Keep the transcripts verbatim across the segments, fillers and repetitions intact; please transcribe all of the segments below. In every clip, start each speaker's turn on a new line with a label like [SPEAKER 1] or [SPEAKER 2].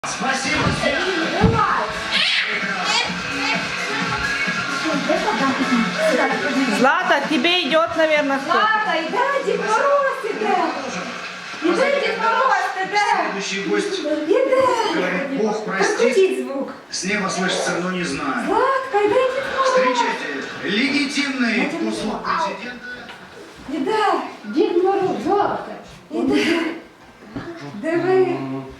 [SPEAKER 1] Спасибо, Света.
[SPEAKER 2] Злата, тебе идет, наверное, кто-то.
[SPEAKER 3] Злата, иди, Дед Мороз, иди. Иди, Дед Мороз, иди.
[SPEAKER 1] Следующий гость
[SPEAKER 3] Иди.
[SPEAKER 1] говорит: Бог простит.
[SPEAKER 3] Прокрутить звук.
[SPEAKER 1] С неба слышится, но не знаю.
[SPEAKER 3] Златка, иди, Дед Мороз.
[SPEAKER 1] Встречайте, легитимный услуг президента.
[SPEAKER 3] Іде, Дід Мороз, Злата. Іде. Диви.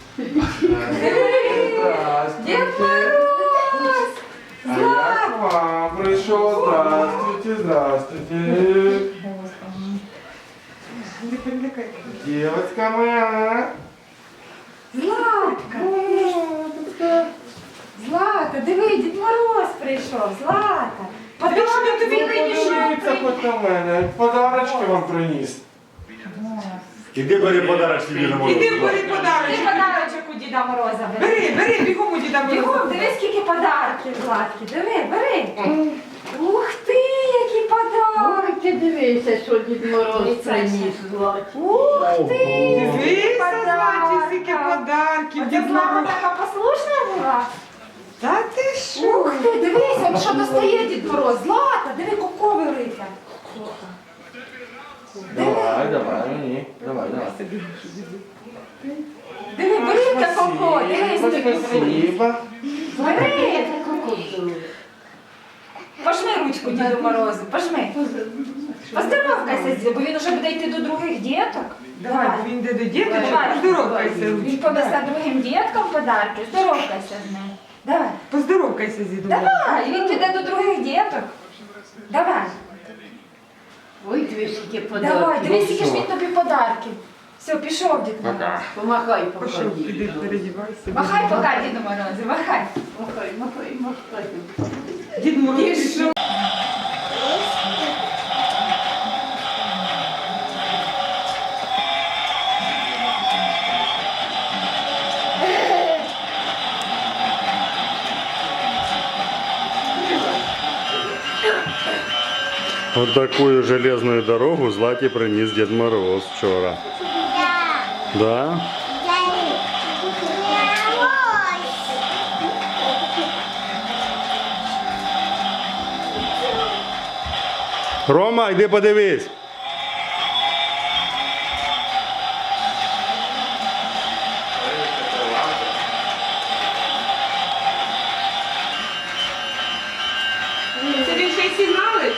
[SPEAKER 3] Диви. Дід Мороз.
[SPEAKER 4] А я к вам пришел. Здравствуйте, здравствуйте. Девочка моя.
[SPEAKER 3] Златка. Злата, диви, Дід Мороз прийшов. Злата. Подарунок тобі прийшов.
[SPEAKER 4] Подивіться хоч на мене. Подарочки вам приніс.
[SPEAKER 5] Іди бери подарочки Діда Мороза.
[SPEAKER 6] Іди бери
[SPEAKER 3] Ти
[SPEAKER 6] подарочок.
[SPEAKER 3] подарочок у Діда Мороза бери.
[SPEAKER 6] Бери, бери, бігом у Діда Мороза.
[SPEAKER 3] Бігом, диви, скільки подарків, Златки. Диви, бери. Ух ти, які подарки.
[SPEAKER 7] Ой, ти дивися, що Дід Мороз приніс, Златі.
[SPEAKER 3] Ух ти,
[SPEAKER 6] Дивися,
[SPEAKER 3] подарка.
[SPEAKER 6] Златі, скільки подарків.
[SPEAKER 3] Оце
[SPEAKER 6] Дід
[SPEAKER 3] Злата
[SPEAKER 6] Мороз.
[SPEAKER 3] така послушна була.
[SPEAKER 6] Та ти що?
[SPEAKER 3] Ух ти, дивися, он що достає Дід Мороз. Злата, диви, коко велика.
[SPEAKER 4] Давай, давай мені. Давай, давай.
[SPEAKER 3] Диви, велика коко, дивись тобі.
[SPEAKER 4] Спасибо.
[SPEAKER 3] Бери. Пожми ручку Діду Морозу, пожми. Поздоровкайся з ним, бо він уже буде йти до других діток.
[SPEAKER 6] Давай, бо він йде до діточок,
[SPEAKER 3] Давай.
[SPEAKER 6] поздоровкайся.
[SPEAKER 3] Він понесе другим діткам подарки, здоровкайся з ним. Давай.
[SPEAKER 6] Поздоровкайся з Дідом Морозом.
[SPEAKER 3] Давай, він піде до других діток. Давай.
[SPEAKER 7] Ой, дивись, які
[SPEAKER 3] Давай,
[SPEAKER 7] подарки.
[SPEAKER 3] дивись, які ж він тобі подарків. Все, пішов Дід Мороз.
[SPEAKER 7] Помахай,
[SPEAKER 6] Пішов,
[SPEAKER 7] покажи.
[SPEAKER 6] іди, передівайся.
[SPEAKER 3] Махай пока, Діду Морозу, махай.
[SPEAKER 7] Махай, махай, махай.
[SPEAKER 6] Дід Мороз пішов.
[SPEAKER 5] Вот такую железную дорогу Злате принес Дед Мороз вчора. Да? Рома, йди подивись.
[SPEAKER 6] Це він ще й сигналить?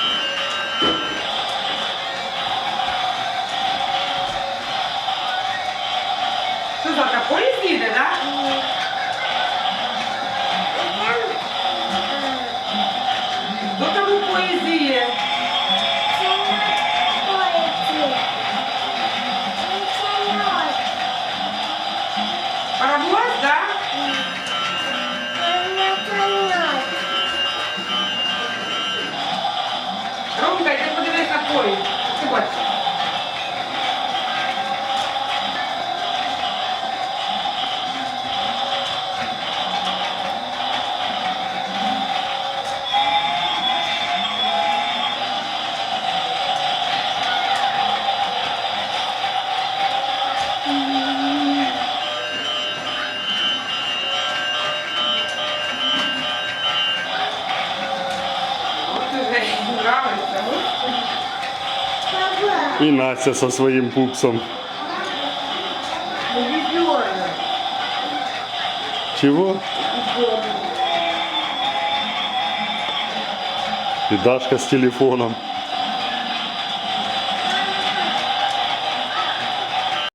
[SPEAKER 6] Що завтра поїзд їде, так? Хто там у поїзді є? Паровоз, так? Ромка, йди подивись на поїзд. Ти бачиш? От уже нравиться.
[SPEAKER 5] І Настя со своїм пупсом. Чего? И Дашка с телефоном.